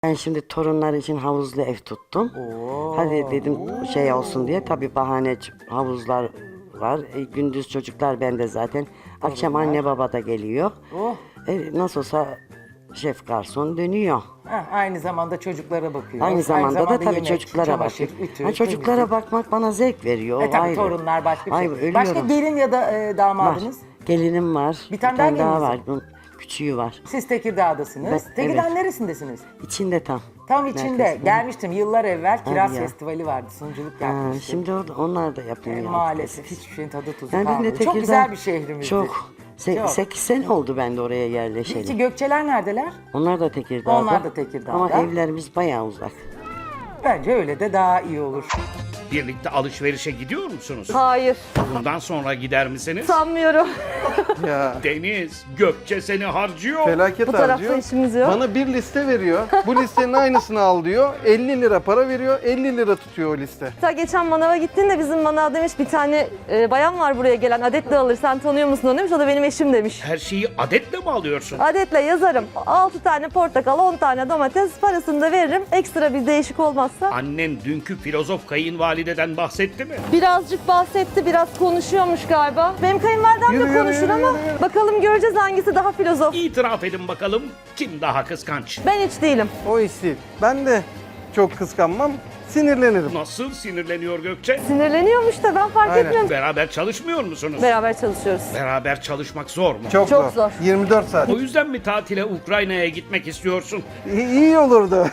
Ben şimdi torunlar için havuzlu ev tuttum. Oo. Hadi dedim şey olsun diye. Tabii bahane havuzlar var. Gündüz çocuklar bende zaten. Akşam anne baba da geliyor. Oh. Nasıl olsa şef garson dönüyor. Ha, aynı zamanda çocuklara bakıyor. Aynı zamanda da tabii yemek, çocuklara çamaşır, bakıyor. ütü, Çocuklara temizlik. bakmak bana zevk veriyor. Tabii ayrı. torunlar başka bir şey. Ay, ölüyorum. Başka gelin ya da Var. damadınız? Gelinim var. Bir tane daha gelininiz var. Bunun küçüğü var. Siz Tekirdağ'dasınız. Ben- Tekirdağ evet. neresindesiniz? İçinde tam. Tam içinde. Merkezinde. Gelmiştim yıllar evvel. Kiraz ya. Festivali vardı. Sunuculuk Ha, yapmıştım. şimdi onlar da yapıyor. ya. Maalesef hiçbir şeyin tadı tuzu Yani ben de kalmadı. Çok Tekirdağ- güzel bir şehrimizdi. Çok. Çok. 8 sene oldu ben de oraya yerleşeli. Peki Gökçeler neredeler? Onlar da Tekirdağ'da. Onlar da Tekirdağ'da. Ama evlerimiz bayağı uzak. Bence öyle de daha iyi olur. Birlikte alışverişe gidiyor musunuz? Hayır, Bundan sonra gider misiniz? sanmıyorum. Ya Deniz, Gökçe seni harcıyor. felaket Bu tarafta harcıyor. işimiz yok. Bana bir liste veriyor. Bu listenin aynısını al diyor. 50 lira para veriyor. 50 lira tutuyor o liste. Hatta geçen manava gittiğinde bizim manav demiş bir tane bayan var buraya gelen adetle alır sen tanıyor musun onu demiş. O da benim eşim demiş. Her şeyi adetle mi alıyorsun? Adetle yazarım. 6 tane portakal, 10 tane domates parasını da veririm. Ekstra bir değişik olmazsa. Annen dünkü filozof kayınvalideden bahsetti mi? Birazcık bahsetti, biraz konuşuyormuş galiba. Benim kayınvalidem Yürü, de yürü, konuşur yürü, ama yürü, yürü. bakalım göreceğiz hangisi daha filozof. İtiraf edin bakalım kim daha kıskanç? Ben hiç değilim. O iş değil. Ben de çok kıskanmam. Sinirlenirim. Nasıl sinirleniyor Gökçe? Sinirleniyormuş da ben fark Aynen. etmiyorum. Beraber çalışmıyor musunuz? Beraber çalışıyoruz. Beraber çalışmak zor mu? Çok Çok zor. 24 saat. O yüzden mi tatile Ukrayna'ya gitmek istiyorsun? İyi olurdu.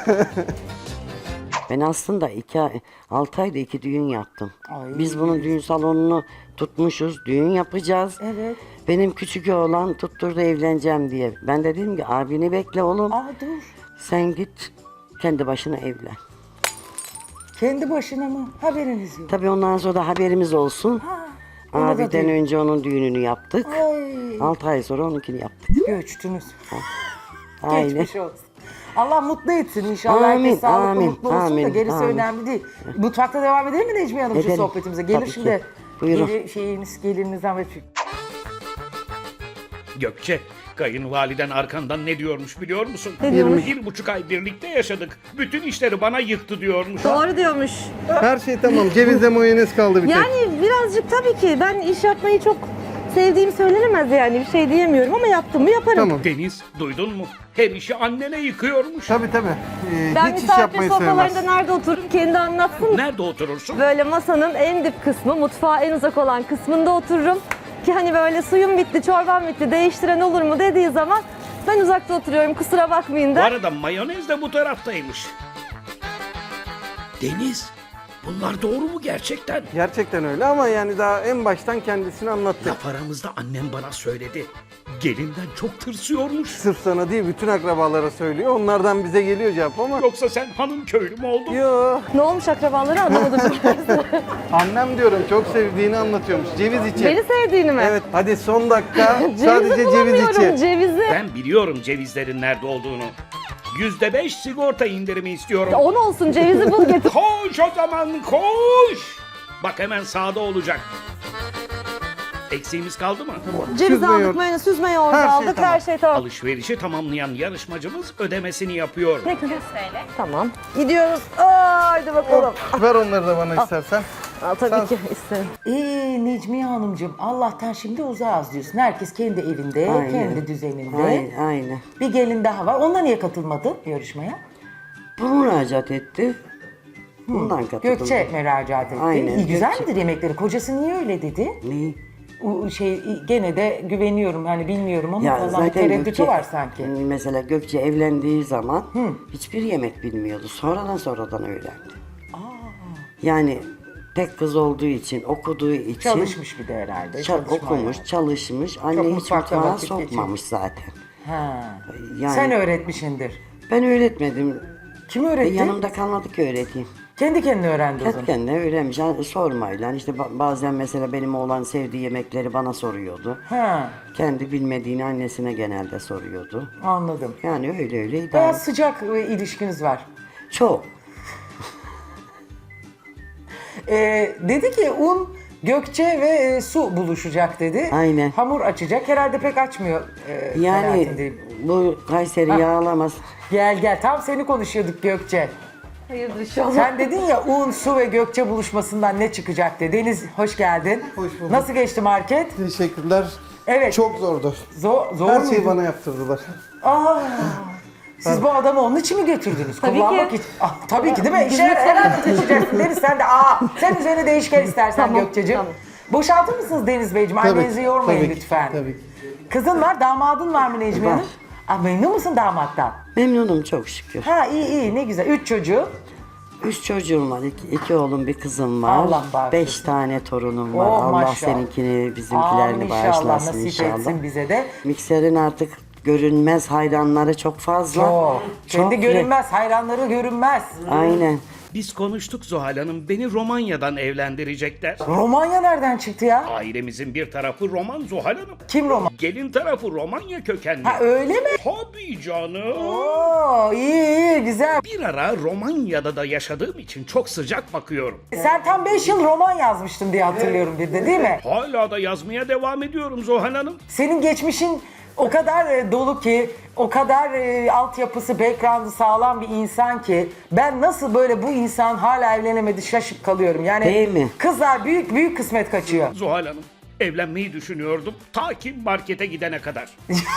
Ben aslında 6 ayda 2 düğün yaptım. Ay. Biz bunun düğün salonunu tutmuşuz. Düğün yapacağız. Evet. Benim küçük oğlan tutturdu evleneceğim diye. Ben de dedim ki abini bekle oğlum. Aa dur. Sen git kendi başına evlen. Kendi başına mı? Haberiniz yok. Tabii ondan sonra da haberimiz olsun. ona da Abiden düğün. önce onun düğününü yaptık. Ay. 6 ay sonra onunkini yaptık. Göçtünüz. Aynen. Geçmiş olsun. Allah mutlu etsin inşallah. Amin, Herkes sağlıklı amin, mutlu olsun da amin, gerisi amin. önemli değil. Mutfakta devam edelim mi Necmiye Hanım şu Edelim. sohbetimize? Gelir Tabii şimdi. ki. Buyurun. Gelininizden ve Gökçe, kayınvaliden arkandan ne diyormuş biliyor musun? Ne diyormuş? 1,5 ay birlikte yaşadık. Bütün işleri bana yıktı diyormuş. Doğru diyormuş. Her şey tamam. Cevizle mayonez kaldı bir tek. Yani birazcık tabii ki ben iş yapmayı çok sevdiğim söylenemez yani bir şey diyemiyorum ama yaptım mı yaparım. Tamam. Deniz, duydun mu? Her işi annene yıkıyormuş. Tabii tabii. Ben Hiç iş misafir yapmayı sofralarında sevmez. nerede otururum kendi anlatsın. Nerede oturursun? Böyle masanın en dip kısmı, mutfağa en uzak olan kısmında otururum. Ki hani böyle suyum bitti, çorbam bitti, değiştiren olur mu dediği zaman ben uzakta oturuyorum kusura bakmayın Bu da. arada mayonez de bu taraftaymış. Deniz, bunlar doğru mu gerçekten? Gerçekten öyle ama yani daha en baştan kendisini anlattı. Laf aramızda annem bana söyledi. Gelinden çok tırsıyormuş. Sırf sana değil bütün akrabalara söylüyor. Onlardan bize geliyor cevap ama. Yoksa sen hanım köylü mü oldun? Yo. Ne olmuş akrabaları anlamadım. Annem diyorum çok sevdiğini anlatıyormuş. Ceviz içi. Beni sevdiğini mi? Evet hadi son dakika Cevizi sadece ceviz bulamıyorum içi. cevizi. Ben biliyorum cevizlerin nerede olduğunu. %5 sigorta indirimi istiyorum. 10 olsun cevizi bul getir. Koş o zaman koş. Bak hemen sağda olacak. Eksiğimiz kaldı mı? Ceviz Süzme aldık, yoğurt. mayonez, süzme yoğurt Her şey aldık, tamam. her şey tamam. Alışverişi tamamlayan yarışmacımız ödemesini yapıyor. Ne kadar? Tamam. Gidiyoruz. Aa, haydi bakalım. Ver onları da bana istersen. Aa, tabii ki isterim. Necmiye Hanımcığım Allah'tan şimdi uzağız diyorsun. Herkes kendi evinde, Aynen. kendi düzeninde. Aynen. Bir gelin daha var. Onunla niye katılmadı yarışmaya? Bu müracaat etti. Bundan katıldım. Gökçe müracaat etti. Aynen, İyi, güzel Gökçe. midir yemekleri? Kocası niye öyle dedi? Ne? Gene de güveniyorum hani bilmiyorum ama Ya falan zaten tereddütü Gökçe, var sanki. mesela Gökçe evlendiği zaman hiçbir yemek bilmiyordu. Sonradan öğrendi. Yani tek kız olduğu için, okuduğu için. Çalışmış bir de herhalde. çalışma okumuş, hayatı. çalışmış. Anne Çok hiç mutfakta mutfağa vakit sokmamış zaten. Ha. Yani Sen öğretmişindir. ben öğretmedim. Kim öğretti? Yanımda kalmadı ki öğreteyim. Kendi kendine öğrendi o Kendi zaman. kendine öğrenmiş. Yani sormayla. İşte bazen mesela benim oğlan sevdiği yemekleri bana soruyordu. Ha, Kendi bilmediğini annesine genelde soruyordu. anladım. Yani öyle idare. Bayağı sıcak ilişkiniz var. Çok. Dedi ki un Gökçe ve Su buluşacak dedi. Aynen. Hamur açacak. Herhalde pek açmıyor. Yani kanaatindeyim. bu Kayseri yağlamaz. Gel tam seni konuşuyorduk Gökçe. Hayırdır inşallah. Sen dedin ya Un, Su ve Gökçe buluşmasından ne çıkacak diye. Deniz hoş geldin. Hoş bulduk. Nasıl geçti market? Teşekkürler. Evet. Çok zordu. Zor Her muydu? şeyi bana yaptırdılar. Aa, siz bu adamı onun için mi götürdünüz? Tabii Kullanmak ki. için. Ah, tabii ki değil mi? İşe herhalde taşıyacaksın Deniz sen de. Sen üzerine değişken istersen Tamam, Gökçe'ciğim. tamam. Boşaltır mısınız Deniz Beyciğim? Tabii Annenizi ki, yormayın tabii ki, lütfen. tabii ki. Kızın var, damadın var mı Necmiye Var. Hanım? Ah, memnun musun damattan? Memnunum çok şükür. Ha iyi ne güzel. 3 çocuğu. 3 çocuğum var. 2 oğlum bir kızım var. Allah bağışlasın. 5 tane torunum var. Oh, Allah maşallah. seninkini Amin bizimkilerini inşallah bağışlasın nasip inşallah. etsin bize de. Mikserin artık görünmez hayranları çok fazla. Kendi görünmez, hayranları görünmez. Aynen. Biz konuştuk Zuhal Hanım. Beni Romanya'dan evlendirecekler. Romanya nereden çıktı ya? Ailemizin bir tarafı Roman Zuhal Hanım. Kim Roman? Gelin tarafı Romanya kökenli. Ha öyle mi? Tabii canım. Oo iyi güzel. Bir ara Romanya'da da yaşadığım için çok sıcak bakıyorum. Sen tam 5 yıl roman yazmıştın diye hatırlıyorum bir de değil mi? Hala da yazmaya devam ediyorum Zuhal Hanım. Senin geçmişin o kadar dolu ki, o kadar altyapısı, background'ı sağlam bir insan ki ben nasıl böyle bu insan hala evlenemedi şaşıp kalıyorum. Yani Değil mi? kızlar büyük kısmet kaçıyor. Zuhal Hanım, evlenmeyi düşünüyordum ta ki markete gidene kadar.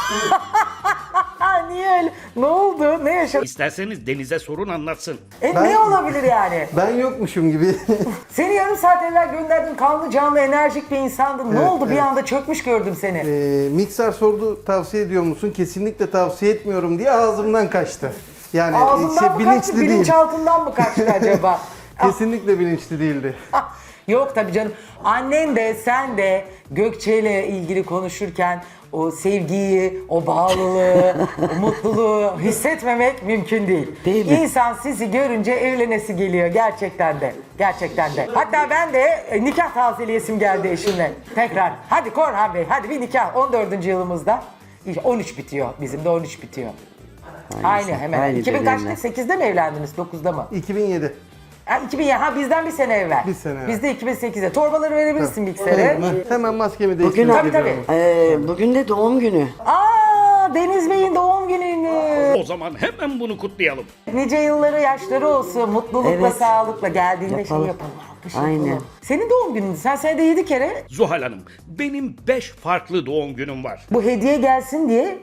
Ha niye öyle? Ne oldu? Ne yaşadın? İsterseniz Deniz'e sorun anlatsın. Ne olabilir yani? Ben yokmuşum gibi. Seni yarım saat evvel gönderdim, kanlı canlı enerjik bir insandın. Ne Evet, oldu? Bir evet. anda çökmüş gördüm seni. Mikser sordu tavsiye ediyor musun? Kesinlikle tavsiye etmiyorum diye ağzımdan kaçtı. Yani Ağzından mı kaçtı? bilinçli değil. Bilinçaltından mı kaçtı acaba? Kesinlikle bilinçli değildi. Yok tabii canım. Annen de sen de Gökçe ile ilgili konuşurken o sevgiyi, o bağlılığı, o mutluluğu hissetmemek mümkün değil. Değil mi? İnsan sizi görünce evlenesi geliyor gerçekten de. Gerçekten de. Hatta ben de nikah tazeleyesim geldi eşimle. Tekrar. Hadi Korhan Bey, hadi bir nikah. 14. yılımızda. 13 bitiyor. Bizim de 13 bitiyor. Aynı hemen. aynı 2000 kaçta? dönemler. 8'de mi evlendiniz? 9'da mı? 2007. Ha, 2000 ha bizden bir sene evvel. Bir sene evvel. Biz de 2008'de. Torbaları verebilirsin mikser'e. Hemen maskemi Bugün, değiştirdim. Tabii, tabii. Bugün de doğum günü. Aa Deniz Bey'in doğum gününü. O zaman hemen bunu kutlayalım. Nice yılları, yaşları olsun. Mutlulukla, Evet. sağlıkla geldiğinde Yapalım. şey yapalım. alkış Aynen. yapalım. Senin doğum günün. Sen senede 7 kere Zuhal Hanım, benim 5 farklı doğum günüm var. bu hediye gelsin diye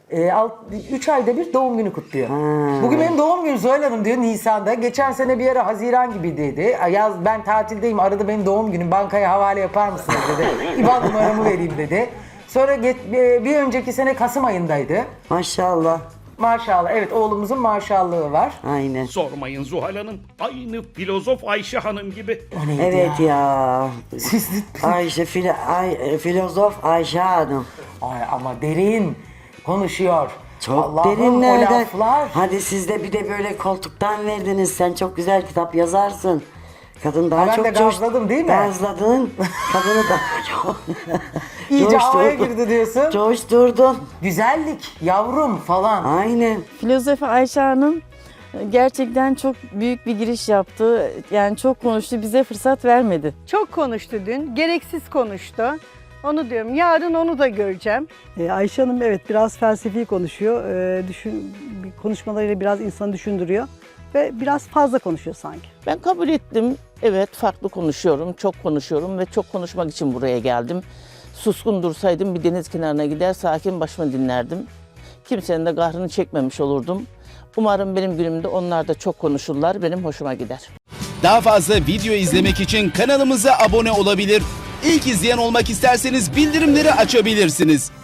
3 ayda bir doğum günü kutluyor. Bugün benim doğum günüm Zuhal Hanım diyor Nisan'da. Geçen sene bir ara Haziran gibi dedi. Yaz ben tatildeyim arada benim doğum günüm bankaya havale yapar mısınız dedi. İban numaramı vereyim dedi. Sonra bir önceki sene Kasım ayındaydı. Maşallah. Maşallah evet oğlumuzun maşallahı var. Aynen. Sormayın Zuhal Hanım, aynı filozof Ayşe Hanım gibi. O neydi Evet ya. Siz, Ayşe filozof Ayşe Hanım. Ay ama derin konuşuyor. Çok Allah'ım, derinlerden. o laflar. Hadi siz de bir de böyle koltuktan verdiniz. Sen çok güzel kitap yazarsın. Kadın daha Ben çok de gazladım değil mi? Gazladın. Kadını da çok İyice havaya coşturdun. girdi diyorsun. Coşturdun. Güzellik, yavrum falan. Aynen. Filozof Ayşe Hanım gerçekten çok büyük bir giriş yaptı. Yani çok konuştu, bize fırsat vermedi. Çok konuştu dün, gereksiz konuştu. Onu diyorum, yarın onu da göreceğim. Ayşe Hanım evet biraz felsefi konuşuyor. Konuşmalarıyla biraz insanı düşündürüyor. Ve biraz fazla konuşuyor sanki. Ben kabul ettim. Evet farklı konuşuyorum, çok konuşuyorum ve çok konuşmak için buraya geldim. Suskun dursaydım bir deniz kenarına gider sakin başımı dinlerdim. Kimsenin de kahrını çekmemiş olurdum. Umarım benim günümde onlar da çok konuşurlar, benim hoşuma gider. Daha fazla video izlemek için kanalımıza abone olabilir. İlk izleyen olmak isterseniz bildirimleri açabilirsiniz.